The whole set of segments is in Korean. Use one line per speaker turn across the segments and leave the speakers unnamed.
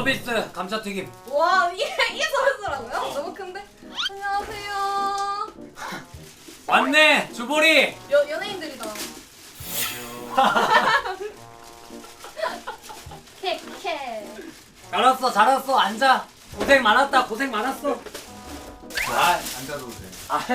서비스 감자튀김.
와 이게 서비스라고요? 너무 큰데? 안녕하세요.
왔네 주보리.
연예인들이다. 캐캐.
잘했어 앉아. 고생 많았다 고생 많았어.
앉아도 돼.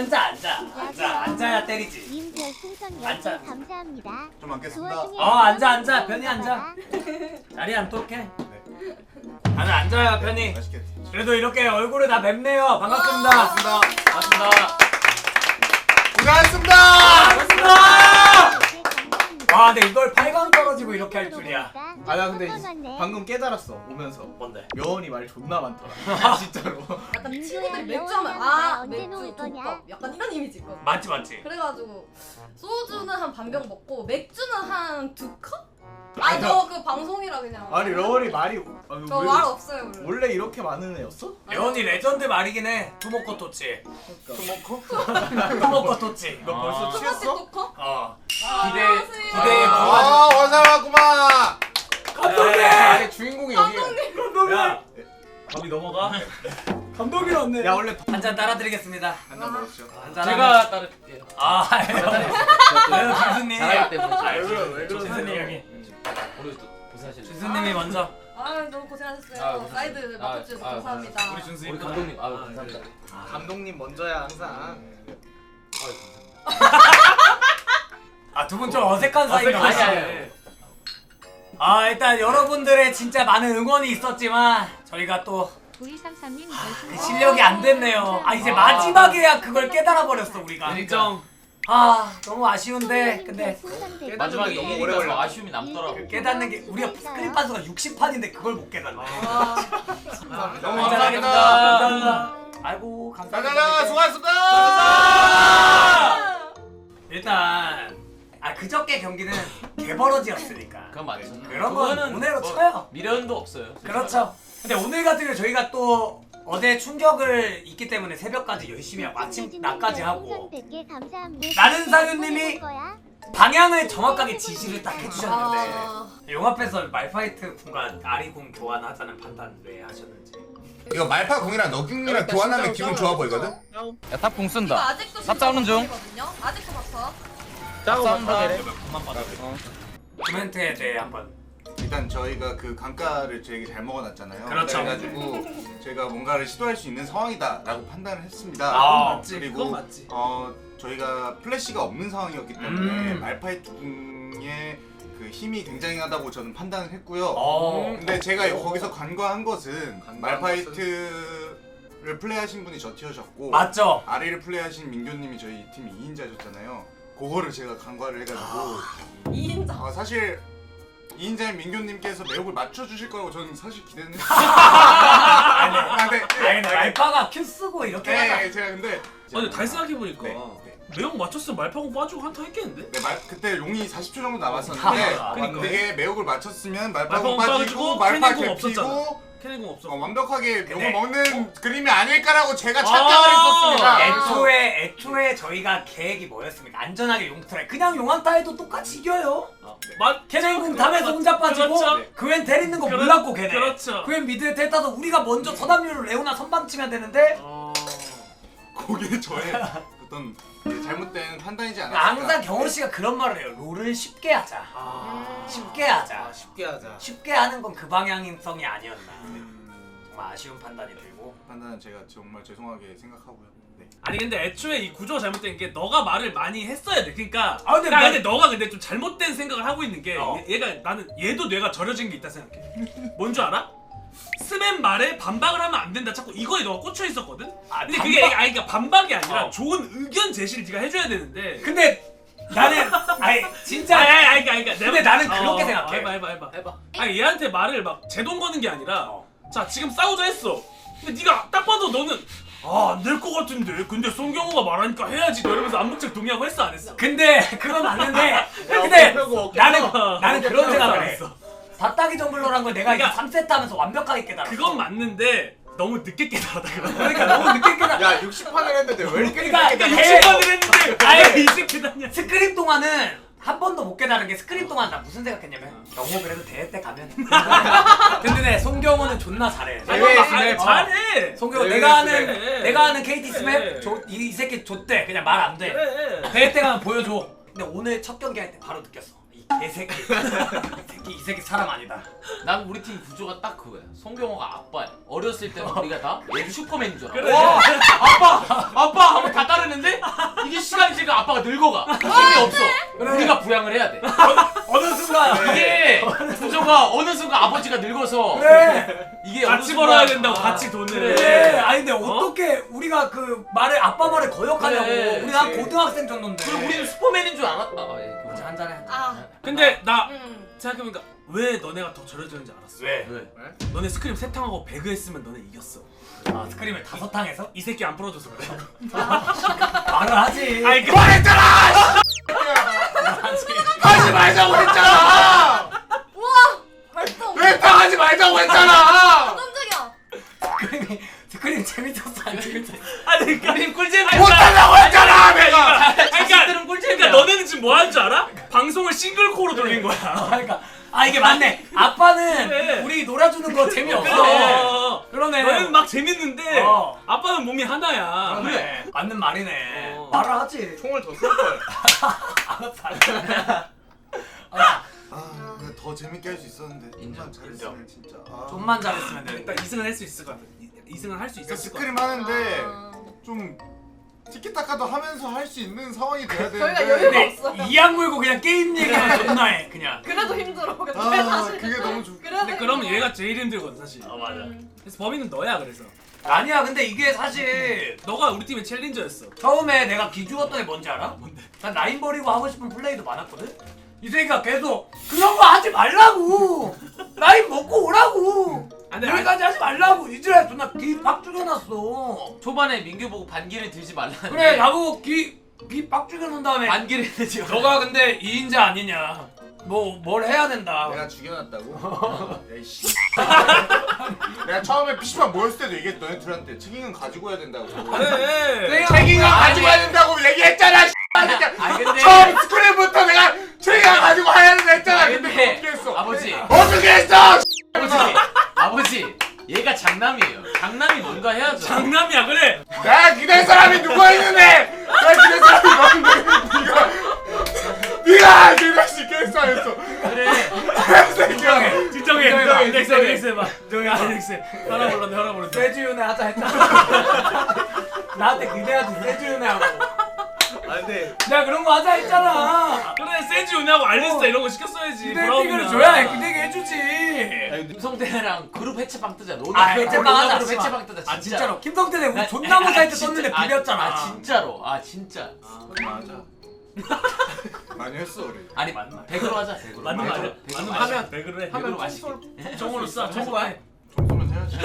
앉아야 때리지.
님 별풍선
앉아.
10개 감사합니다.
좀 앉겠습니다.
앉아 편히 앉아. 자리 앉도록해. 다들 앉아요 편히.
맛있겠지.
그래도 이렇게 얼굴을 다 뵙네요. 반갑습니다.
반갑습니다. 고생하셨습니다.
반갑습니다. 와 근데 이걸 8강 떨어지고 이렇게 할 줄이야.
아 나 근데 방금 깨달았어 오면서
뭔데?
여원이 말 존나 많더라. 진짜로.
약간
민규야,
친구들 맥주
여운아,
하면
나
아
언제
맥주
놓을 거냐?
족밥 약간 이런 이미지 있거든.
맞지.
그래가지고 소주는 한 반병 먹고 맥주는 한 2컵?
아니,
저 그 방송이라 그냥.
아니 러원이 말이
저 말 없어요 원래.
원래 이렇게 많은 애였어?
예원이 레전드 말이긴 해. 투모코 토치.
토모코?
투모코 토치.
너 벌써
첫 번째
취했어?
2컵?
기대에
아 원상하구만.
감독님.
아니 주인공이 여기.
야
밥이 넘어가?
감독이었네.
야 원래
한잔 따라드리겠습니다.
한잔 먹었죠.
한잔.
제가 따를게요.
왜요 준수님?
잘하기 때문에.
왜 그러세요?
준수님 여기.
우리 또 고생하시네.
준수님이 먼저.
아 너무 고생하셨어요.
아, 고생하셨어요.
사이드 맡겨주셔서
아,
감사합니다.
우리 준수
우리 감독님 감사합니다.
감독님 먼저야 항상.
감사합니다.
아 두 분 좀 어색한 사이가
아니, 아니,
아니에요. 일단 여러분들의 진짜 많은 응원이 있었지만 저희가 또 그
9233님
실력이 안 됐네요. 이제 마지막에야 그걸 깨달아 버렸어 우리가.
인정.
너무 아쉬운데 근데
마지막에
너무
이기니까
오래
더
걸려.
아쉬움이 남더라고.
깨닫는 게 우리가 스크린 판수가 60판인데 그걸 못 깨닫네.
너무
감사합니다.
감사합니다.
아이고
자자자
감사합니다.
수고하셨습니다.
일단 그저께 경기는 개버러지였으니까
그건 맞죠.
그런 건
그거는
오늘로
뭐
쳐요.
미련도 없어요.
그렇죠. 근데 오늘 같은 경우 저희가 또 어제 충격을 있기 때문에 새벽까지 열심히 하고 아침 낮까지 하고 나는 사유님이 방향을 정확하게 지시를 딱 해주셨는데 용앞에서 말파이트 군과 아리군 교환하자는 판단 왜 하셨는지.
이거 말파 공이랑 너궁이랑 교환하면 기분 좋아 보이거든.
야 탑공
이거
쓴다.
아직도
탑 싸우는 중.
거든요. 아직도 바빠.
탑 싸운다.
코멘트에 대해 한번.
일단 저희가 그 강가를 저에게 잘 먹어놨잖아요.
그렇죠.
그래가지고 저희가 뭔가를 시도할 수 있는 상황이다라고 판단을 했습니다.
맞지.
그리고 저희가 플래시가 없는 상황이었기 때문에 말파이트 궁의 그 힘이 굉장하다고 저는 판단을 했고요. 근데 제가 거기서 간과한 것은 말파이트를 플레이하신 분이 저 티어셨고
맞죠?
아리를 플레이하신 민규님이 저희 팀 2인자셨잖아요. 그거를 제가 간과를 해가지고
2인자.
사실 2인자인 민규님께서 매혹을 맞춰주실 거라고 저는 사실 기대는 했어요.
근데 말파가 큐 쓰고 이렇게 하자.
네, 제가 근데
아니 다시 생각해보니까
네.
매혹 맞췄으면 말파공 빠지고 한타 했겠는데?
네, 그때 용이 40초 정도 남았었는데
그러니까.
그게 매혹을 맞췄으면
말파공
말파공
빠지고
빠지고 말파
캐닝공 없었잖아.
개피고
캐닝공 없었고.
완벽하게
근데-
용을 먹는 그림이 아닐까라고 제가 착각을 했었습니다.
애초에 저희가 계획이 뭐였습니까? 안전하게 용트라이. 그냥 용한타 해도 똑같이 이겨요. 캐넨궁 탑에서 혼자 빠지고
그렇죠.
그웬 때리는 거 몰랐고 걔네.
그렇죠.
그웬 미드에 텔타서 우리가 먼저 서담류로 레오나 선방 치면 되는데
그게 저의 어떤 잘못된 판단이지 않았을까.
항상 경호 씨가 그런 말을 해요. 롤을 쉽게 하자. 쉽게 하자.
쉽게 하자.
쉽게 하는 건 그 방향성이 아니었나. 정말 아쉬운 판단이 들고.
판단은 제가 정말 죄송하게 생각하고요. 네.
아니 근데 애초에 이 구조가 잘못된 게 너가 말을 많이 했어야 돼. 그러니까
근데
너가 근데 좀 잘못된 생각을 하고 있는 게 얘가 나는 얘도 뇌가 절여진 게 있다 생각해. 뭔 줄 알아? 스맨 말에 반박을 하면 안 된다. 자꾸 이거에 너가 꽂혀 있었거든. 근데 그게 그러니까 반박이 아니라 좋은 의견 제시를 네가 해줘야 되는데.
근데 나는 진짜
그러니까
근데 나는 그렇게 생각해.
해봐. 아니 얘한테 말을 막 제동 거는 게 아니라 자 지금 싸우자 했어. 근데 네가 딱 봐도 너는 안 될 것 같은데 근데 송경호가 말하니까 해야지 이러면서 암묵적 동의하고 했어 안 했어?
근데 그건 맞는데 근데 나는 그런
알았어,
생각을 해.
알았어.
바닥이 정글러란 걸 내가
그러니까
이제 3세트 하면서 완벽하게 깨달았어.
그건 맞는데 너무 늦게 깨달았다 그러면.
그러니까 너무 늦게 깨달아.
야 60판을 했는데 왜 이렇게
그러니까
늦게
이게
깨달아?
60번을 했는데 왜 이제 깨닫냐.
스크립 동안은 한 번도 못 깨달은 게 스크림 동안 나 무슨 생각했냐면 경호 그래도 대회 때 가면 근데 송경호는 존나 잘해.
아니, 잘해.
송경호
네,
내가
네.
아는 KT
네.
스맵 이 새끼 좆대 그냥 말 안 돼.
그래.
대회 때 가면 보여줘. 근데 오늘 첫 경기 할 때 바로 느꼈어. 이 개새끼. 이 새끼 사람 아니다.
난 우리 팀 구조가 딱 그거야. 송경호가 아빠야. 어렸을 때는 우리가 다 얘 슈퍼맨인 줄 알아.
그래.
와, 아빠 하면 다 따르는데 이게 시간이 지니까 아빠가 늙어가. 힘이 없어. 우리가 부양을 해야 돼.
어느 순간
이게 구조가 어느 순간 아버지가 늙어서
그래.
이게
같이
어느
벌어야
순간-
된다고 같이 돈을.
그래. 아니 근데 어떻게 우리가 그 말을 아빠 말을 거역하냐고.
그래,
우리 한
그치.
고등학생 정도인데.
그리고 우리는 슈퍼맨인 줄 알았다.
이제 한잔해.
아.
근데 나
음.
생각해보니까 왜 너네가 더 절여지는지 알았어.
왜?
너네 스크림 3탕하고 배그 했으면 너네 이겼어.
아 스크림을 5탕에서?
이 새끼 안 풀어줘서 그래.
말을 하지.
아니 그
하지 말자고 했잖아.
우와! 벌써
왜 당하지 말자고 했잖아.
깜짝이야.
스크림 재밌었어 안 재밌었어?
아니 그림 꿀잼
못한다고 했잖아 내가.
그러니까 꿀잼이야. 너네는 지금 뭐 하는 줄 알아? 방송을 싱글코어로 돌린 거야.
그러니까 아 이게 맞네. 아빠는
그래.
우리 놀아주는 거 재미없어.
그래.
그러네.
너는 막 재밌는데
어.
아빠는 몸이 하나야.
그래. 맞는 말이네.
어.
말을 하지.
총을 더 쏠 걸.
아, 근데 더 재밌게 할 수 있었는데.
인정,
좀만 잘했으면 진짜. 아.
좀만 잘했으면 돼.
일단 2승은 할 수 있을 것 같아. 2승은 할 수
그러니까
있었을 것 같아.
스크림 하는데
아.
좀 티키타카도 하면서 할 수 있는 상황이 돼야
저희가
되는데.
여유가
근데 이악 물고 그냥 게임 얘기만 존나 해 그냥.
그래도 힘들어. 근데
아,
사실
그게 너무 좋.
그래도
근데 그러면
힘들어.
얘가 제일 힘들거든 사실.
맞아.
그래서 범인은 너야 그래서.
아니야 근데 이게 사실
너가 우리 팀의 챌린저였어.
처음에 내가 기죽었던 게 뭔지 알아?
뭔데?
난 라인 버리고 하고 싶은 플레이도 많았거든? 이 새끼가 계속 그런 거 하지 말라고! 라인 먹고 오라고!
근데
여기까지 하지 말라고! 이제야 존나 귀팍 죽여놨어.
초반에 민규 보고 반기를 들지 말라는데
그래 나보고 귀팍 죽여놓은 다음에
반기를 들지 말라.
너가 근데 2인자 아니냐 뭐 뭘 해야 된다.
내가 죽여놨다고? 야이씨. 내가 처음에 PC방 모였을 때도 얘기했 너네 둘한테 책임은 가지고 해야 된다고.
그래.
책임은 가지고 해야 된다고 얘기했잖아.
아니 근데
처음 스크린부터 내가 책임을 가지고 해야 된다 했잖아.
아니,
근데
근데
어떻게 했어?
아버지
어떻게 했어?
아버지 얘가 장남이에요. 장남이 뭔가 해야죠.
장남이야 그래.
내가 기댈 사람이 누가 있는데? 내가 기댈 사람이 너인데 네가 기댈 수 있겠어 했어.
그래.
진정해.
진정해.
인정해봐,
넥스
인정해.
넥스 해봐. 넥스. 혈압 올랐네 혈압 올랐네.
세주윤회 하자 했잖아. 나한테 기대하지 세주윤회하고.
아 근데
내가 그런 거 하자 했잖아.
그래 세지 오냐고 알리스타 이런 거 시켰어야지.
기대기를 줘야 기대게 해주지.
김성태랑 그룹 해체방 뜨자. 너는
아,
그
해체방
어린이날
하자,
그룹
씨발.
해체방 뜨자.
아 진짜로 김성태네 우리
나-
존나 못할 때
진짜.
썼는데 비볐잖아.
아 진짜로. 아 진짜.
맞아. 많이 했어 우리.
아니 백으로 하자. 백으로.
맞는
백으로.
말이야.
백으로
맞는
마시-
말이야. 왜 그래?
백으로 맛있게.
정으로 쏴. 정으로 해.
좀 쏘면 해야지.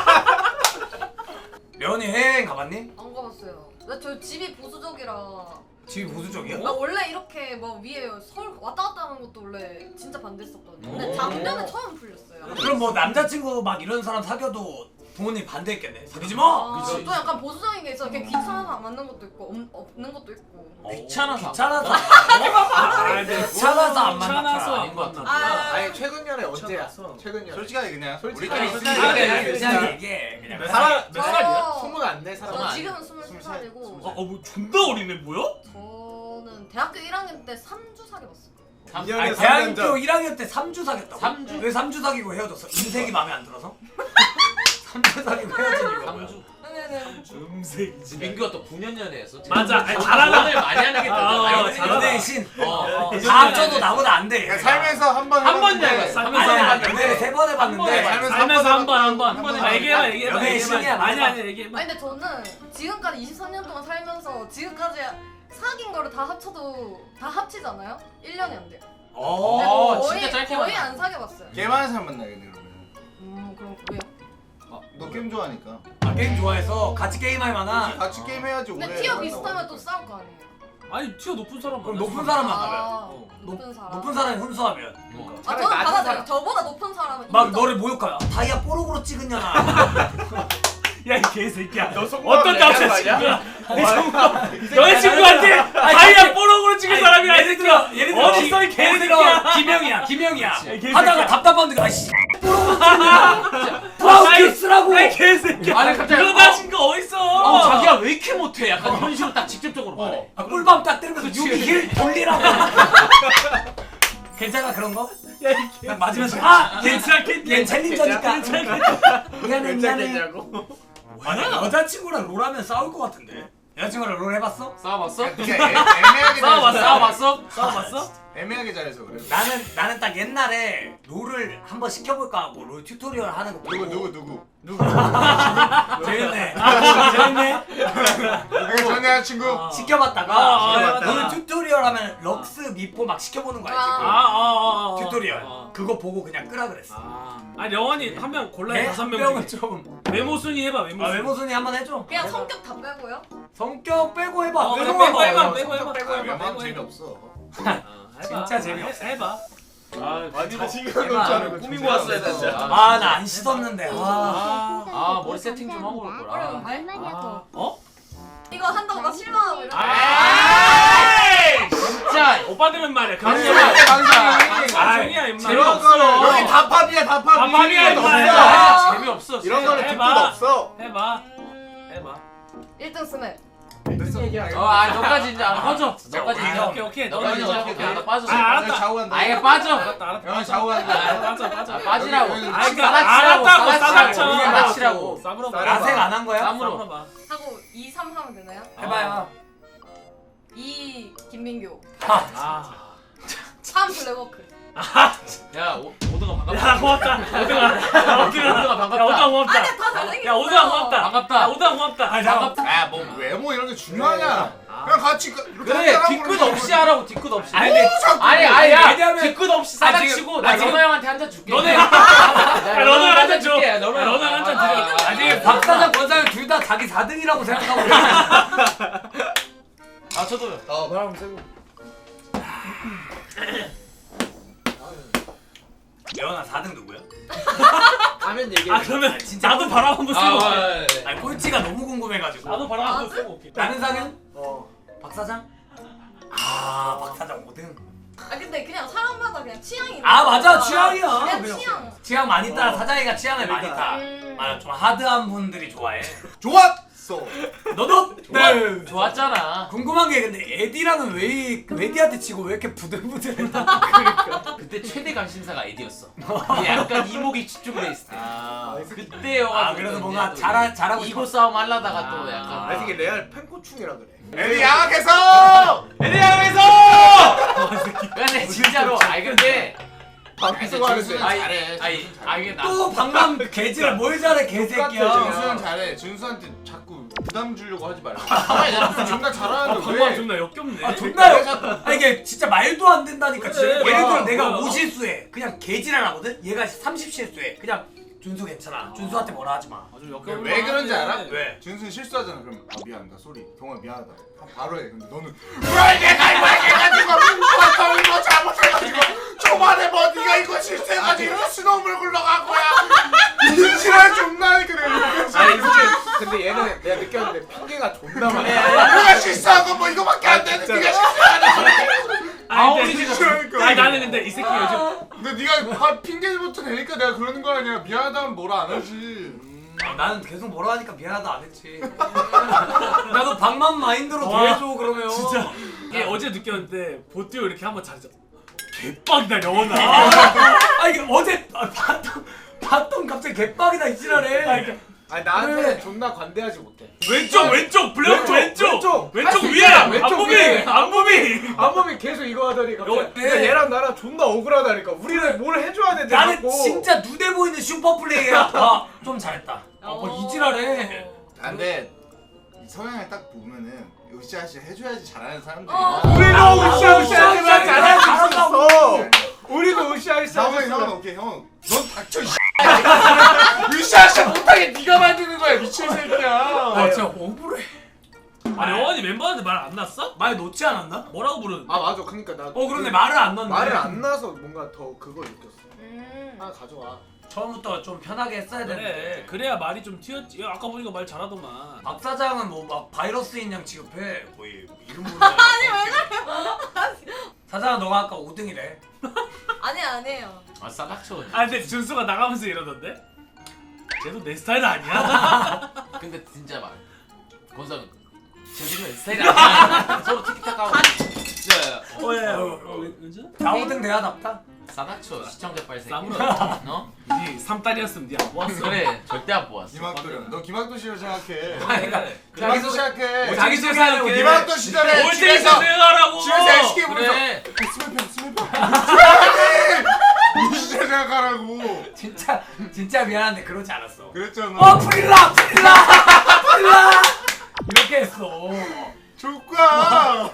면이 해외여행 가봤니?
안 가봤어요. 나 저 집이 보수적이라.
집이 보수적이야?
나 원래 이렇게 뭐 위에 서울 왔다 갔다 하는 것도 원래 진짜 반대했었거든요. 근데
오.
작년에 처음 풀렸어요.
그럼 뭐 남자친구 막 이런 사람 사귀어도 부모님 반대했겠네. 사귀지 마.
아,
그치.
또 약간 보수적인 게 있어. 이렇게 귀찮아서 안 맞는 것도 있고 없는 것도 있고.
귀찮아서.
귀찮아서.
아, 네.
귀찮아서 안 만났다.
귀찮아서
아닌 것 같아.
아,
아니 최근 년에 언제야?
미쳤어.
최근 년.
솔직하게 그냥
솔직하게
우리끼리
솔직하게
있으니까
그냥
그래,
그냥
그래.
얘기해. 그냥.
몇 살? 몇
저-
살이야? 20 안 돼? 사람.
저
아니야.
지금은 23살이고
뭐 존나 어리네 뭐야?
저는 대학교 1학년 때 3주 사귀었어요.
년
아니,
년에
대학교
3년
1학년 때 3주 사귀었다고?
3주?
왜 3주 사귀고 헤어졌어? 인색이 마음에 안 들어서? 3주 사귀고 헤어진 이유가 뭐야?
3주.
네네네.
음색이지.
민규가 또 9년 했어.
맞아. 아니,
잘하는
잘하나?
많이 하는 게
아,
또.
잘하나?
연애의 신.
어.
다 합쳐도 나보다 안 돼.
그냥 살면서 한 번
한 번
해봤는데
해봤어.
아니야,
해봤는데.
연애를 3번 해봤는데.
살면서
살면서
한
한
번
번.
해봤어.
얘기해봐 얘기해봐.
연애의
얘기해봐.
신이야,
아니
맞아.
아니 얘기해봐.
아니 근데 저는 지금까지 23년 동안 살면서 지금까지 사귄 거를 다 합쳐도 다 합치잖아요? 1년이 안 돼요. 근데
어,
거의,
진짜 짧게
거의
만나.
안 사귀어봤어요.
개 많은 사람 만나겠네 그러면.
그럼 왜요?
너 게임 좋아하니까.
아, 게임 좋아해서 같이 게임할 만한.
같이 게임 해야지 오래.
근데 티어
만나고
비슷하면 또
하니까.
싸울 거 아니에요?
아니 티어 높은 사람
그럼
만나서
높은 사람
아,
만나면.
높은 사람.
높은 사람이 훈수하면.
어.
아
차라리
저는
낮은
받아들여요.
사람.
저보다 높은 사람은
막
인정.
너를 모욕하야. 다이아 뽀록으로 찍은 년아.
야 이 개새끼야.
너 속마음
어떤
얘기하는 거
남자친구야?
아니야?
너의 친구한테 다이아 뽀록으로 찍은 사람이야 이
예를
새끼야.
들어 예를 들어
어디 있어 이 개새끼야.
김영이야
개새끼야.
하다가 답답한데 아씨 브라우키 쓰라고
아이 개새끼야.
아니, 갑자기
그거 나 친구 어딨어?
아 자기야 왜 이렇게 못해? 약간 이런 식으로 딱 직접적으로 말해.
꿀밤 딱 때리면서 유기 힐 돌리라고 괜찮아 그런 거? 그냥 맞으면서 얘 챌린저니까 미안해 미안해
괜찮겠냐고.
아니 여자친구랑 롤하면 싸울 것 같은데 여자친구랑 롤 해봤어?
싸워봤어?
그게 애매하게
싸워봤어?
잘해서
싸워봤어?
싸워봤어?
애매하게 잘해서 그래.
나는 딱 옛날에 롤을 한번 시켜볼까 하고 롤 튜토리얼 하는 거 보고
누구?
재밌네 재밌네
내가 전 여자친구.
시켜봤다가
시켜봤다가.
롤 튜토리얼 하면 럭스 미포 막 시켜보는 거 알지? 그 튜토리얼 그거 보고 그냥 끄라 그랬어
아 영원히 한 명 골라야 다섯 명
명은
중에.
좀
외모 순위 해봐 외모 순위.
외모 순위 한번 해줘
그냥 성격 다 빼고요?
성격 빼고 해봐
그래,
외모
빼고 해봐
해봐.
빼고 해봐 빼고 해봐
외모는
빼고 해봐.
재미없어.
해봐.
진짜 재미없어.
해봐.
아니 자신감 없지 않은 거
꾸미고 왔어야 돼, 진짜.
아 나 안 씻었는데
머리 세팅 좀 하고 올 거라.
얼마냐고.
어?
이거 한다고 나 실망하고 이러고.
아이 진짜.
오빠들은 말이야.
방송이야, 방송.
방송이야 임마.
이런 거는
여기 다 팝이야 다 팝.
팝이야,
이런 거
임마.
없어.
재미없어.
이런 거는
해봐.
뒷끝 없어.
해봐.
1등 스맵.
너까지 이제 꺼져. 너까지 이제.
오케이.
너까지 이제. 오케이. 나 빠져.
알았다.
좌우 간다.
아예 빠져.
알았다.
영화 좌우 간다.
빠져.
빠지라고.
알았다고 싸닥쳐.
우리가 맞추라고.
싸브로
라생 안 한 거야?
쌈으로.
봐.
하고 2, 3 하면 되나요?
해봐요
2 김민교.
아.
3 블랙워크.
야 오드가 반갑다.
야 고맙다. 오등아.
오드가 반갑다.
야 오등아 고맙다.
아니 다 잘생겼어.
야 오등아 고맙다.
반갑다.
야 오등아 고맙다.
아니 잠깐
야뭐 외모 이런 게 중요하냐? 그냥 같이 이렇게
그래
한잔하고
뒤끝
그러는
없이
거지.
하라고 뒤끝 없이.
아니 근데
아야
왜냐면-
뒤끝 없이 싸닥치고 나
지금-
너너 형한테 한 잔 줄게.
너네.
야,
너너 한잔 줘.
줄게.
야, 너너 한 잔 드려.
아니 박사장 권사장 둘 다 자기 4등이라고 생각하고 그래.
아 저도요.
바람 쐬고.
예원아 4등 누구야?
가면 얘기해.
아 그러면 나도 바람 한번 쓰고 올게.
아니 꼴찌가 너무 궁금해가지고
나도 바람 한번 쓰고 올게.
나는 상현?
어.
박사장? 아 박사장 5등
아 근데 그냥 사람마다 그냥 취향이 있는
아 맞아
거야.
취향이야
그냥
그냥.
취향.
취향 많이 따라 사장이가 취향을 많이
그러니까.
따 맞아 좀 하드한 분들이 좋아해
좋았어.
너도? 네
좋았잖아.
궁금한 게 근데 에디랑은 왜 에디한테 치고 왜 이렇게 부들부들했나?
그때 최대 관심사가 에디였어. 약간 이목이 집중돼 있을 때. 그때요.
아 그래서 뭔가 잘하고
이고
싶어
싸움 하려다가 또 약간.
아 이게 레알 팬코충이라 그래.
에디 양악해서.
에디 형에서. 근데 진짜로. 아니 근데.
방송하는데.
이게 나.
또 방금 개질 뭘 잘해 개새끼야
준수는 잘해. 준수한테 자꾸 부담 주려고 하지 말라. 존나 잘하는데
방금
왜?
존나 역겹네.
아 존나 아 이게 진짜 말도 안 된다니까
그래,
진짜. 예를 들어
야,
내가
뭐야.
5실수해 그냥 개질을 하거든? 얘가 30실수해 그냥 준수 괜찮아 준수한테 뭐라 하지 마
아주 역겹네.
왜 그런지 알아?
왜?
준수는 실수하잖아. 그럼 미안하다. 쏘리. 동아 미안하다. 바로 해. 근데 너는 왜 내가 이거 해가지고 너 이거 잘못해가지고 초반에 뭐 네가 이거 실수해가지고 이렇게 스노우볼 굴러간 거야. 인실할 존나 그래.
아니 근데 얘는 내가 느꼈는데 핑계가 존나 많아.
내가 실수한 거 뭐 이거밖에 안 되는데 네가 실수하는 거야.
아니
그러니까.
아니 나는 근데 이 새끼 요즘
근데 네가 핑계부터 내니까 내가 그러는 거 아니야. 미안하다면 뭐라 안 하지.
나는 계속 뭐라 하니까 미안하다 안 했지 나도 방만 마인드로
와,
대해줘 그러면
진짜 이게 어제 느꼈는데 보띠오 이렇게 한번 잘했어. 개빡이다 영원아.
아 이게 어제 봤던 갑자기 개빡이다 이 지랄해
아니 나한테
그래.
존나 관대하지 못해.
왼쪽 블랙 왼쪽
왼쪽
위에
왼쪽
안무비
위에.
안무비.
안범이 계속 이거 하더니 갑자기
네.
근데 얘랑 나랑 존나 억울하다니까. 우리는 뭘 해줘야 되는데
나는
자꾸.
진짜 눈에 보이는 슈퍼 플레이야 좀 잘했다 이 지랄해
근데 성향을 딱 보면은 으쌰으쌰 해줘야지 잘하는 사람들이
우리도 으쌰으쌰하지만 잘할 수
잘한다고.
있어. 우리도 으쌰으쌰.
형은 오케이 형. 넌 닥쳐 이 으쌰으쌰 못하게 네가 만드는 거야 미친 새끼야.
아 진짜 억울해
아니 영원이 멤버한테 말 안 났어?
말 놓지 않았나?
뭐라고 부르는데?
아 맞아. 그러니까 나.
그런데 말을 안 넣네.
말을 안 나서 뭔가 더 그걸 느꼈어.
음.
하나 가져와.
처음부터 좀 편하게 했어야
그래
되는데.
그래야 말이 좀 튀었지. 야, 아까 보니까 말 잘하더만.
박 사장은 뭐 막 바이러스인 양 취급해. 거의 이름 모르는. 아니 왜 사장아 너가 아까 5등이래.
아니에요.
아 싸닥쳐.
아 근데 준수가 나가면서 이러던데? 쟤도 내 스타일 아니야?
근데 진짜 말. 권상 제대로 내 스타일이 아니야. 서로 티키타카 하고. 야야.
은준아?
나 5등 내야답다.
싸닥쳐 시청자 빨생.
싸물어.
너?
니 3달이었으면 니 안 모았어.
그래 절대 안 보았어.
김학도련. 너 김학도 씨로 생각해.
아니, 그러니까
김학도 생각해.
자기 소개하려고
김학도 시절에
올
집에서
때에서 생각하라고.
집에서 애시게 부르죠.
그래.
스멜평. 이 시절 생각하라고.
진짜 미안한데 그러지 않았어.
그랬잖아.
프릴라 이렇게 했어.
조과.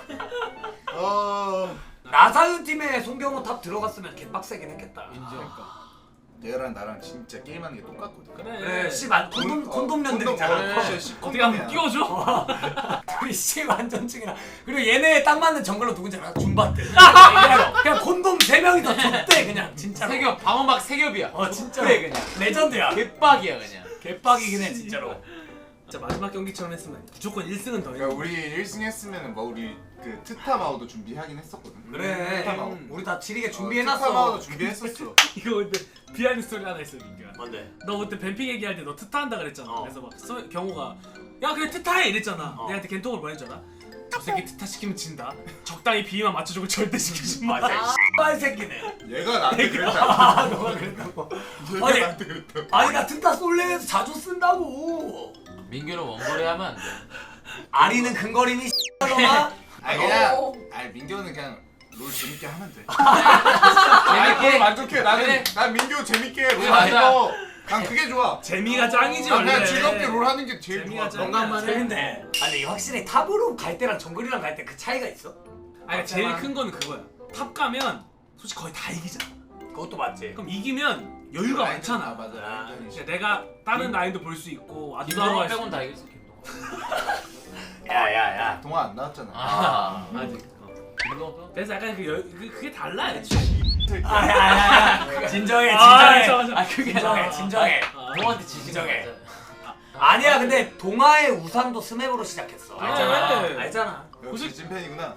나사유 팀에 송경호 탑 들어갔으면 개빡세긴 했겠다.
인정.
얘랑 나랑 진짜 게임하는 게 똑같거든.
그래.
씨만 콘돔 년들이잖아.
그래.
어떻게 한번 끼워줘?
둘이 씨 완전증이라. 그리고 얘네 딱 맞는 정글로 누군지 알아? 줌바트. 그냥 콘돔 3명이서 줬대 그냥 진짜로.
세겹 방어막 세겹이야.
진짜로.
그래 그냥.
레전드야.
개빡이야 그냥.
개빡이긴 해 진짜로.
진짜 마지막 경기처럼 했으면 무조건 1승은 더 해.
그러니까 우리 1승 했으면은 뭐 우리 그 트타마오도 준비하긴 했었거든.
그래.
트타마오.
우리 다 지리게
트타마오도
준비해놨어.
준비했었어.
이거 근데 비하인드 스토리 하나 있어 민규야.
뭔데?
너 그때 뱀픽 얘기할 때 너 트타 한다 그랬잖아.
어.
그래서 막 경호가 야 그래 트타해 이랬잖아.
어.
내한테 겐톡을 뭐 했잖아. 저 새끼 트타 시키면 진다. 적당히 비위만 맞춰주고 절대 시키지 마.
맞아. 씨발 새끼네.
얘가 나한테 그랬잖아.
너가 그랬다고.
얘가
아니.
나한테 그랬다고.
아니 나 트타 솔레에서 자주 쓴다고.
민규는 원거리 하면 안 돼.
아리는 근거리니 씨발놈아.
아니 그냥 아니 민규는 그냥 롤 재밌게 하면 돼.
재밌게
만족해. 나는
그래.
난 민규 재밌게 롤
그래,
하는
맞아.
거. 난 그게 좋아.
재미가 짱이지
난
원래.
그냥 즐겁게 롤 하는 게 제일
재미가
좋아.
짱이야.
건강만 해.
재밌네. 아니 확실히 탑으로 갈 때랑 정글이랑 갈 때 그 차이가 있어?
아니 제일 큰 거는 그거야. 탑 가면 솔직히 거의 다 이기잖아.
그것도 맞지.
그럼 이기면 여유가
아
많잖아.
맞아.
그러니까 내가 다른 라인도 볼 수 있고 아두도
김동호
할수
빼곤
있고.
다 이겼어 김동호.
야야야.
동화 안 나왔잖아.
아직.
김동호 빼곤.
그래서 약간 그게 달라 애초에.
아야야야. 진정해
아,
진정해.
맞아.
그게 진정해.
동호한테 지지
진정해. 아니야 근데 동아의 우상도 스맵으로 시작했어.
그래.
알잖아. 알잖아.
역시 찐팬이구나.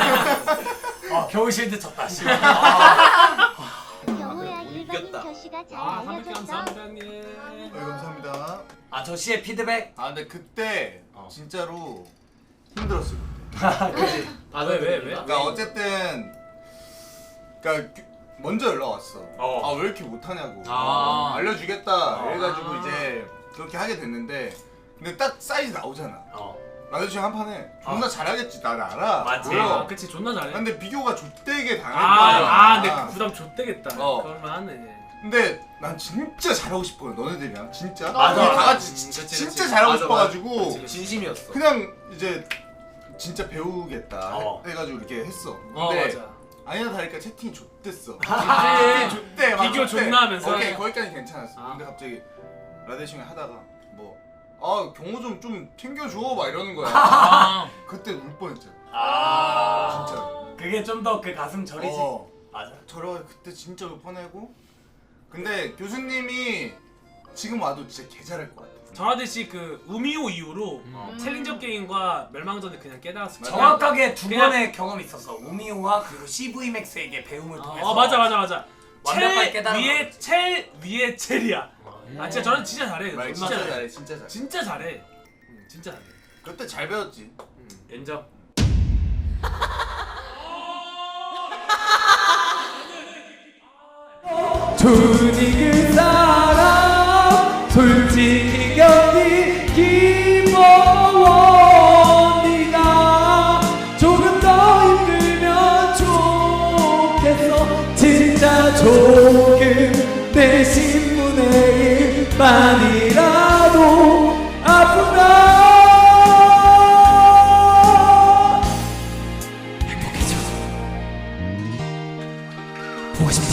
겨울 실드 쳤다. 씨.
경호야 일반인 저씨가 잘 알려줬어.
감사합니다 형님.
네, 감사합니다.
저 씨의 피드백.
아 근데 그때 진짜로 힘들었어.
그지.
왜?
그러니까 어쨌든 그러니까 먼저 연락 왔어.
어.
아 왜 이렇게 못하냐고.
아.
알려주겠다. 해가지고 이제 그렇게 하게 됐는데 근데 딱 사이즈 나오잖아. 라데슈 한 판에 존나 잘하겠지. 난 알아.
맞지.
보여.
그치 존나 잘해.
근데 비교가 좆되게 당할 거야.
근데 그 부담 좆되겠다.
어.
그럴만하네.
근데 난 진짜 잘하고 싶어. 너네들이랑 진짜.
맞아.
우리 다 같이
그치,
진짜
그치.
잘하고
맞아,
싶어가지고
진심이었어.
그냥 이제 진짜 배우겠다 해가지고 이렇게 했어. 근데
맞아.
아니나 다를까 채팅이 좆됐어.
아,
채팅이 좆대. 막
비교
좆대.
존나 하면서.
오케이 거기까지 괜찮았어.
아.
근데 갑자기 라데싱을 하다가 뭐 경호 좀 챙겨줘 막 이러는 거야.
아.
그때 울 뻔했잖아. 진짜.
그게 좀 더 그 가슴 저리지. 맞아.
저러 그때 진짜 울 뻔하고. 근데 교수님이 지금 와도 진짜 개 잘할 것 같아.
전하듯이 그 우미호 이후로 챌린저 게임과 멸망전을 그냥 깨달았을 거야.
정확하게 두
그냥-
번의 경험이 있었어. 우미호와 그리고 CV 맥스에게 배움을 통해서.
맞아.
완벽하게 깨달은
첼 위에 첼이야. 진짜 저는 진짜 잘해.
말
존나
진짜
잘해.
잘해. 진짜 잘해.
진짜 잘해. 진짜 잘해.
그때 잘 배웠지.
인정.
준이 그 사람 솔직히 견디기 뭐 네가 조금 더 힘들면 좋겠어 진짜 조금 내 신분의 일만이라도 아프다 행복해져 보고 싶다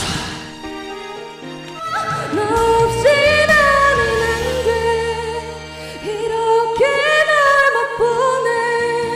너 없이 나는 안 돼. 이렇게 날 못 보내.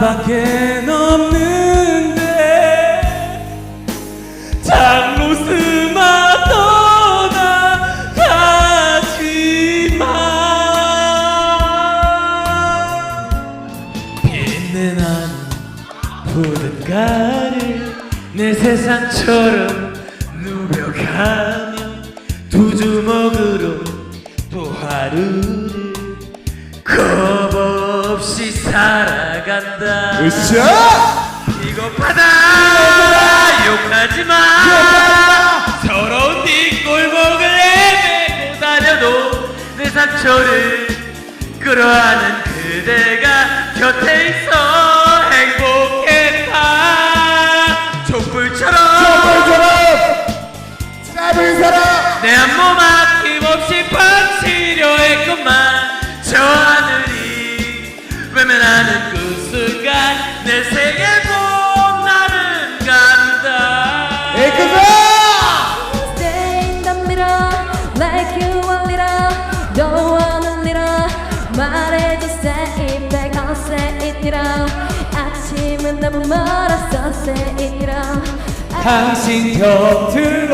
나밖에 없는데 장로스마 떠나가지마. 빛내 난 푸른 가를 내 세상처럼 누벼가며 두 주먹으로 또 하루를 겁없이 살아간다. 비겁하다 욕하지마. 서러운 뒷골목을 헤매고 다녀도 내 상처를 끌어안은 그대가 곁에 있어 행복했다. 촛불처럼
짧은 사람
내 한 몸 아낌없이 바치려 했건만 저 하늘이 외면하는 그 순간 내 생의 봄날은 간다.
Stay in the middle like you want it all. Don't want a little. 말해줘 say it back. I'll say it all. 아침은 너무 멀었어 say it all.
당신 곁으로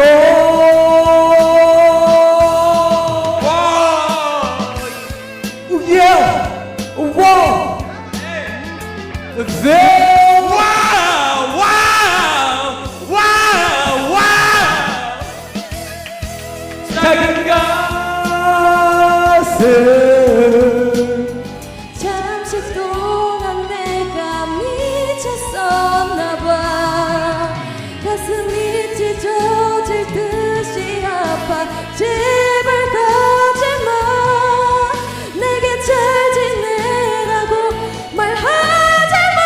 작은 가슴
잠시 동안 내가 미쳤었나봐. 가슴이 찢어질 듯이 아파. 제발 가지마. 내게 잘 지내라고 말하지마.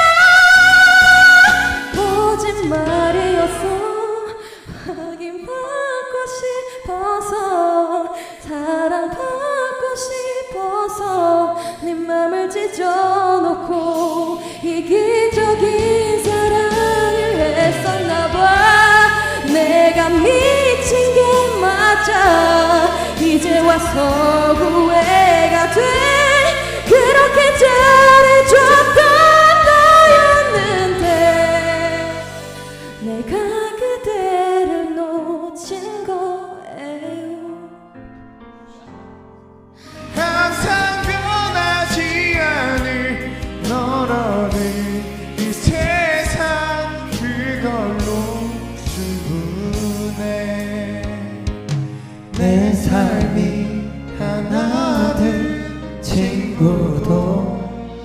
거짓말이었어. 확인 받고 싶어서 사랑받고 싶어서 네 맘을 찢어놓고 이기적인 사랑을 했었나봐. 내가 미친 게 맞아. 이제 와서 후회가 돼. 그렇게 잘해줬던 너였는데 내가 그대를 놓친 거예요.
항상 변하지 않을 너라는 이 세상 그걸로 충분해. 내 삶이 하나 된 친구도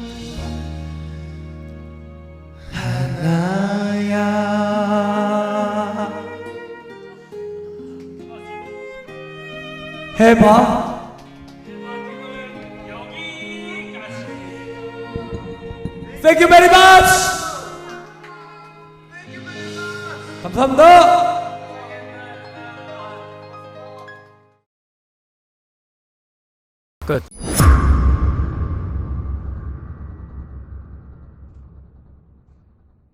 하나야.
해봐. Thank you very much. 감사합니다. 끝.